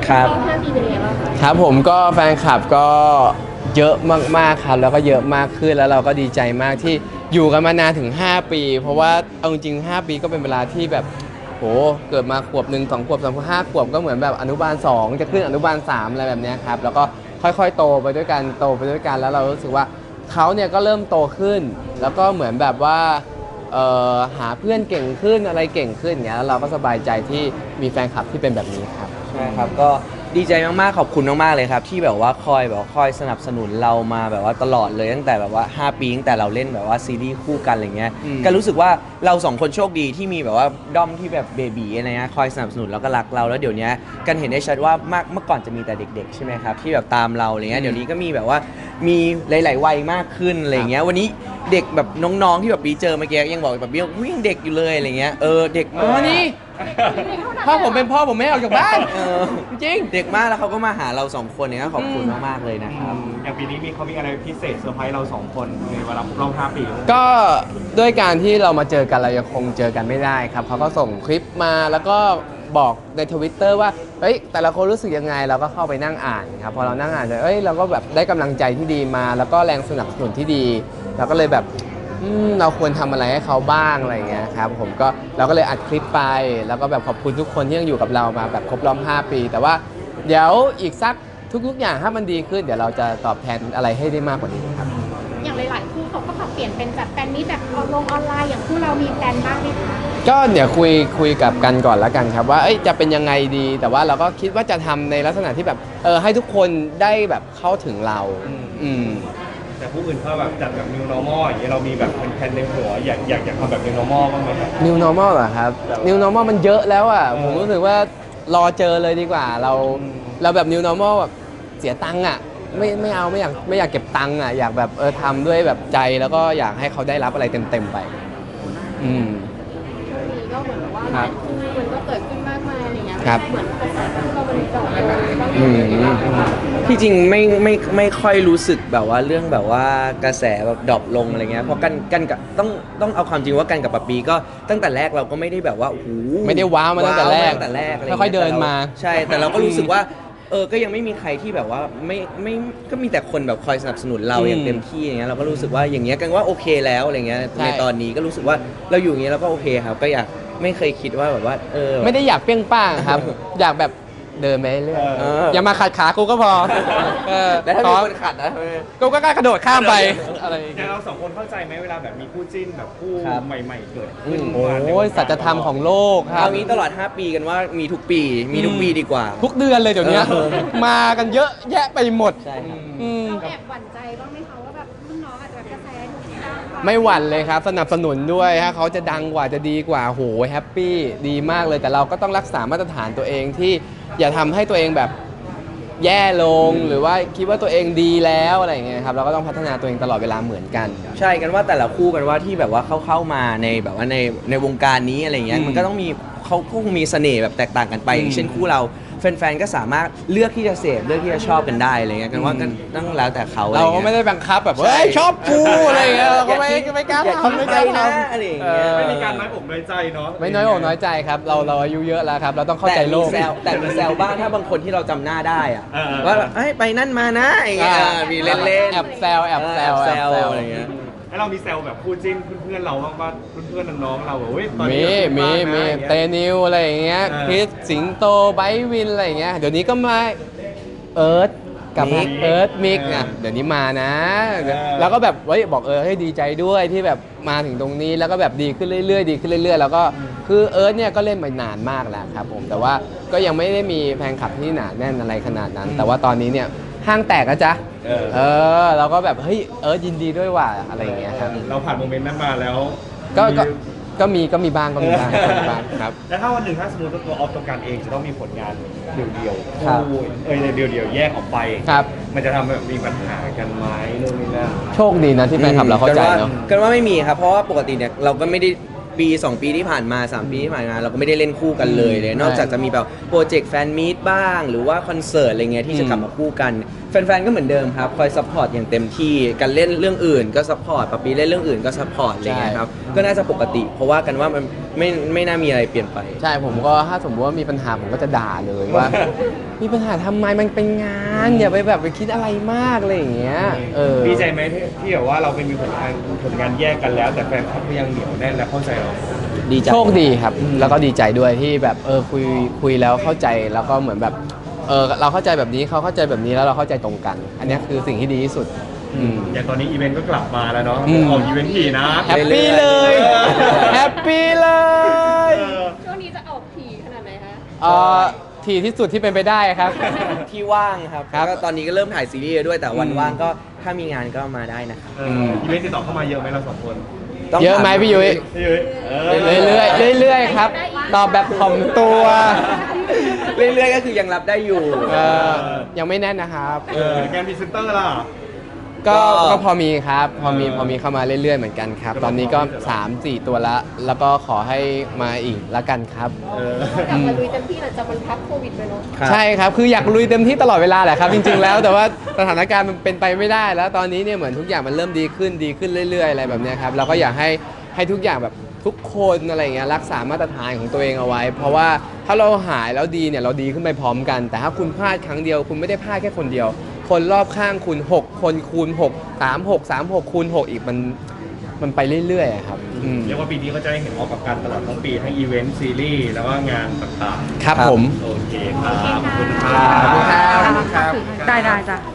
ครับ 5 ปีเป็นยังไงบ้างคะครับผมก็แฟนคลับก็เยอะมากๆครับแล้วก็เยอะมากขึ้นแล้วเราก็ดีใจมากที่อยู่กันมานานถึง5 ปีเพราะว่าเอาจริงๆ5 ปีก็เป็นเวลาที่แบบโหเกิดมาขวบ1 2 ขวบ3 ขวบ5 ขวบก็เหมือนแบบอนุบาล2จะขึ้นอนุบาล3อะไรแบบเนี้ยครับแล้วก็ค่อยๆโตไปด้วยกันโตไปด้วยกันแล้วเรารู้สึกว่าเขาเนี่ยก็เริ่มโตขึ้น แล้วก็เหมือนแบบว่าหาเพื่อนเก่งขึ้นอะไรเก่งขึ้นอย่างเงี้ยแล้วเราก็สบายใจที่มีแฟนคลับที่เป็นแบบนี้ครับใช่ครับก็ดีใจมากๆขอบคุณมากๆเลยครับที่แบบว่าคอยสนับสนุนเรามาแบบว่าตลอดเลยตั้งแต่แบบว่า5 ปีตั้งแต่เราเล่นแบบว่าซีรีส์คู่กันอะไรเงี้ยก็รู้สึกว่าเรา2 คนโชคดีที่มีแบบว่าด้อมที่แบบเบบีอะไรเงี้ยคอยสนับสนุนแล้วก็รักเราแล้วเดี๋ยวนี้กันเห็นได้ชัดว่ามากเมื่อก่อนจะมีแต่เด็กๆใช่ไหมครับที่แบบตามเราอะไรเงี้ยเดี๋ยวนี้ก็มีแบบว่ามีหลายๆวัยมากขึ้นอะไรเงี้ยวันนี้เด็กแบบน้องๆที่แบบปีเจอเมื่อกี้ยังบอกแบบวิ่งเด็กอยู่เลยอะไรเงี้ยเด็กอ๋อนี่พ่อผมเป็นพ่อผมไม่ให้ออกจากบ้านเออจริงเด็กมากแล้วเขาก็มาหาเรา2 คนเนี่ยก็ขอบคุณมากๆเลยนะครับอย่างปีนี้เขามีอะไรพิเศษเซอร์ไพรส์เรา2 คนในเวลาครบรอบ5 ปีก็ด้วยการที่เรามาเจอกันเรายังคงเจอกันไม่ได้ครับเขาก็ส่งคลิปมาแล้วก็บอกใน Twitter ว่าเฮ้ยแต่ละคนรู้สึกยังไงเราก็เข้าไปนั่งอ่านครับพอเรานั่งอ่านเราก็แบบได้กำลังใจที่ดีมา แล้วก็แรงสนับสนุนที่ดีเราก็เลยแบบเราควรทำอะไรให้เขาบ้างอะไรอย่างเงี้ยครับผมก็เราก็เลยอัดคลิปไป แล้วก็แบบขอบคุณทุกคนที่ยังอยู่กับเรามาแบบครบรอบ5 ปีแต่ว่าเดี๋ยวอีกสักทุกๆอย่างถ้ามันดีขึ้นเดี๋ยวเราจะตอบแทนอะไรให้ได้มากกว่านี้ครับอย่างหลายๆคู่เขาก็ปรับเปลี่ยนเป็นแบบแฟนนี้แบบลงออนไลน์อย่างคู่เรามีแพลนบ้างไหมคะก็เดี๋ยวคุยกับกันก่อนแล้วกันครับว่าจะเป็นยังไงดีแต่ว่าเราก็คิดว่าจะทำในลักษณะที่แบบให้ทุกคนได้แบบเข้าถึงเราอืมแต่ผู้อื่นเขาแบบจัดแบบ new normal อย่างเงี้ยเรามีแบบเป็นแผนในหัวอยากทำแบบ new normal บ้างไหมครับ New Normal เหรอครับ New Normal มันเยอะแล้วอ่ะผมรู้สึกว่ารอเจอเลยดีกว่าเราแบบ New Normal แบบเสียตังค์อ่ะไม่เอาไม่อยากเก็บตังค์อ่ะอยากแบบทำด้วยแบบใจแล้วก็อยากให้เขาได้รับอะไรเต็มๆไปอืมช่วงนี้ก็เหมือนแบบว่าหครัลาบยคู่มันก็เกิดขึ้นมากมายอะไรเงี้ยครับเหมือนกระแสคู่เรามันดรอปลงบ้างไหอืมที่จริงไม่ค่อยรู้สึกแบบว่าเรื่องแบบว่ากระแสแบบดรอปลงอะไรเงี้ยเพราะกันกับต้องเอาความจริงว่ากันกับปะปีก็ตั้งแต่แรกเราก็ไม่ได้แบบว่าโอ้โหไม่ได้ว้าวมาตั้งแต่แรกว้าวมาตั้งแต่แรกอะไรค่อยๆเดินมาใช่แต่เราก็รู้สึกว่าก็ยังไม่มีใครที่แบบว่าไม่ก็มีแต่คนแบบคอยสนับสนุนเราอย่างเต็มที่อย่างเงี้ยเราก็รู้สึกว่าอย่างเงี้ยกันว่าโอเคแล้วอะไรเงี้ยใช่ในตอนนี้ก็รู้สึกว่าเราอยู่อย่างเงี้ยเราก็โอเคครับก็อยากไม่เคยคิดว่าแบบว่าไม่ได้อยากเปรี้ยงป้างครับ อยากแบบเดินไปเรื่อย อย่ามาขัดขากูก็พอแล้วถ้าขมีอคนขัดนะกูก็กล้ากระโดดข้ามไปอะไรอย่างอเงี้ย่าย งเรา2 คนเข้าใจไหมเวลาแบบมีคู่จิ้นแบบคู่ครับใหม่ๆเกิดขึ้นโอ้ยสัจธรรมของโลกครัเอาบงี้ตลอด 5 ปีกันว่ามีทุกปีมีทุกปีดีกว่าทุกเดือนเลยเดี๋ยวนี้เออมากันเยอะแยะไปหมดใช่ครับอืมเราแอบหวั่นใจบ้างไหมคะว่าแบบรุ่นน้องอาจจะแบบกระแสดูดังกว่าไม่หวั่นเลยครับ สนับสนุนด้วยถ้าเขาจะดังกว่าจะดีกว่าโหแฮปปี้ดีมากเลยแต่เราก็ต้องรักษามาตรฐานตัวเองที่อย่าทำให้ตัวเองแบบแย่ลงหรือว่าคิดว่าตัวเองดีแล้วอะไรอย่างเงี้ยครับเราก็ต้องพัฒนาตัวเองตลอดเวลาเหมือนกันใช่กันว่าแต่ละคู่กันว่าที่แบบว่าเข้ามาในแบบว่าในวงการนี้อะไรเงี้ยอืมมันก็ต้องมีเขาคงมีเสน่ห์แบบแตกต่างกันไปอย่างเช่นคู่เราแฟนๆก็สามารถเลือกที่จะเสพเลือกที่จะชอบกันได้อะไรเงี้ยกันว่าก็ต้องแล้วแต่เขาเราก็ไม่ได้บังคับแบบเฮ้ยชอบกูอะไรอย่างเงี้ยเราก็ไม่กล้าอย่าทำทิ้ไม่งกไปล้านะทำอะไรอย่างเงี้ยไม่มีการน้อยอกน้อยใจเนาะไม่น้อยอกน้อยใจครับเราอายุเยอะแล้วครับ เราต้องเข้าใจโลกแต่มีแซวบ้างถ้าบางคนที่เราจำหน้าได้อะเออว่าแบบเอ้ยไปนั่นมานะอย่างเงี้ยมีเล่นๆแอบแซวแอบแซวแอบแซวแอบแซวอะไรเงี้ยแล้วเรามีแซวแบบคู่จิ้นเพื่อนๆเราบ้างป่ะเพื่อนๆน้องๆเราแบบเฮ้ยตอนนี้มีเราจิ้นากนะอย่างเตงี้ยนิวอะไรอย่างเงี้ยเออคริสสิงโตไบร์ทวินอะไรอย่างเงี้ยเดี๋ยวนี้ก็มาเอิร์ธกับมิกเอิร์ธมิกอ่ะเดี๋ยวนี้มานะแล้วก็แบบบอกให้ดีใจด้วยที่แบบมาถึงตรงนี้แล้วก็แบบดีขึ้นเรื่อยๆดีขึ้นเรื่อยๆแล้วก็คือเอิร์ธเนี่ยก็เล่นมานานมากแล้วครับผมแต่ว่าก็ยังไม่ได้มีแฟนคลับที่หนาแน่นอะไรขนาดนั้น แต่ว่าตอนนี้เนี่ยห้างแตกนะจ๊ะเราก็แบบเฮ้ยเอิร์ธยินดีด้วยว่ะอะไรอย่างเงี้ยครับเราผ่านโมเมนต์นั้นมาแล้วก็มีบ้างครับแล้วถ้าวันหนึ่งถ้าสมมติว่าตัวออฟตัวการเองจะต้องมีผลงานเดี่ยวๆครับคู่ในเดี่ยวๆแยกออกไปครับมันจะทำแบบมีปัญหากันไหมนู่นนี่นั่นโชคดีนะที่แฟนคลับเราเข้าใจเนาะกันว่าไม่มีครับ เพราะว่าปกติเนี่ยเราก็ไม่ได้ปี 2 ปีที่ผ่านมา 3 ปีที่ผ่านมาเราก็ไม่ได้เล่นคู่กันเลย นอกจากจะมีแบบโปรเจกต์แฟนมีตบ้าง หรือว่าคอนเสิร์ตอะไรเงี้ยที่จะกลับมาคู่กันแแฟนๆก็เหมือนเดิมครับคอยซัพพอร์ตอย่างเต็มที่กันเล่นเรื่องอื่นก็ซัพพอร์ตปะปีเล่นเรื่องอื่นก็ซัพพอร์ตอะไรเงี้ยครับก็น่าจะปกติ เพราะว่ากันว่ามันไม่น่ามีอะไรเปลี่ยนไปใช่ผมก็ถ้าสมมติว่ามีปัญหาผมก็จะด่าเลยว่า มีปัญหาทำไมมันเป็นงานอย่าไปแบบไปคิดอะไรมากอะไรอย่างเงี้ยดีใจไหมที่แบบว่าเราเป็นมีผลงานแยกกันแล้ว แต่แฟนคลับก็ยังเหนียวแน่นและเข้าใจเราดีใจโชคดีครับ แล้วก็ดีใจด้วยที่แบบคุยแล้วเข้าใจแล้วก็เหมือนแบบเราเข้าใจแบบนี้เขาเข้าใจแบบนี้แล้วเราเข้าใจตรงกัน อันนี้คือสิ่งที่ดีที่สุดอย่างตอนนี้อีเวนต์ก็กลับมาแล้วเนาะอืมออกอีเวนต์ถี่นะแฮปปี้เลย แฮปปี้เลยช่วงนี้จะออกถี่ขนาดไหนคะทีที่สุดที่เป็นไปได้ครับที่ว่างครับครับแล้วก็ตอนนี้ก็เริ่มถ่ายซีรีส์ด้วยแต่วันว่างก็ถ้ามีงานก็มาได้นะครับอีเวนต์ติดต่อเข้ามาเยอะไหมเราสองคนต้งเยอะไหมถาพี่ยุ้ยเยอะเรื่อยๆครับ ตอบแบบถ่อมตัวเรื่อยๆก็คือยังรับได้อยู่ยังไม่แน่นนะครับงานพรีเซนเตอร์ล่ะก็ก็ก็พอมีครับพอมีเข้ามาเรื่อยๆเหมือนกันครับ ตอนนี้ก็ 3-4 ตัวละแล้วก็ขอให้มาอีกละกันครับกลับมาลุยเต็มที่หลังจากมันพักโควิดไปเนาะครับใช่ครับ คืออยากลุยเต็มที่ตลอดเวลาแหละครับ จริงๆแล้ว แต่ว่าสถานการณ์มันเป็นไปไม่ได้ แล้วตอนนี้เนี่ยเหมือนทุกอย่างมันเริ่มดีขึ้นเรื่อยๆอะไรแบบเนี้ยครับ เราก็อยากให้ทุกอย่างแบบทุกคนอะไรเงี้ยรักษามาตรฐานของตัวเองเอาไว้ เพราะว่าถ้าเราหายแล้วดีเนี่ยเราดีขึ้นไปพร้อมกัน แต่ถ้าคุณพลาดครั้งเดียวคุณไม่ได้พลาดแค่คนเดียว คนรอบข้างคุณ 6 คนคูณ6 3 6 คูณ6อีกมันไปเรื่อยๆอะครับเรียกว่าปีนี้ก็จะได้เห็นออกกับการตลอดทั้งปีทั้งอีเวนต์ซีรีส์แล้วก็งานต่างๆครับผมโอเคครับขอบคุณคขอบคุณครัรับได้จ้ะ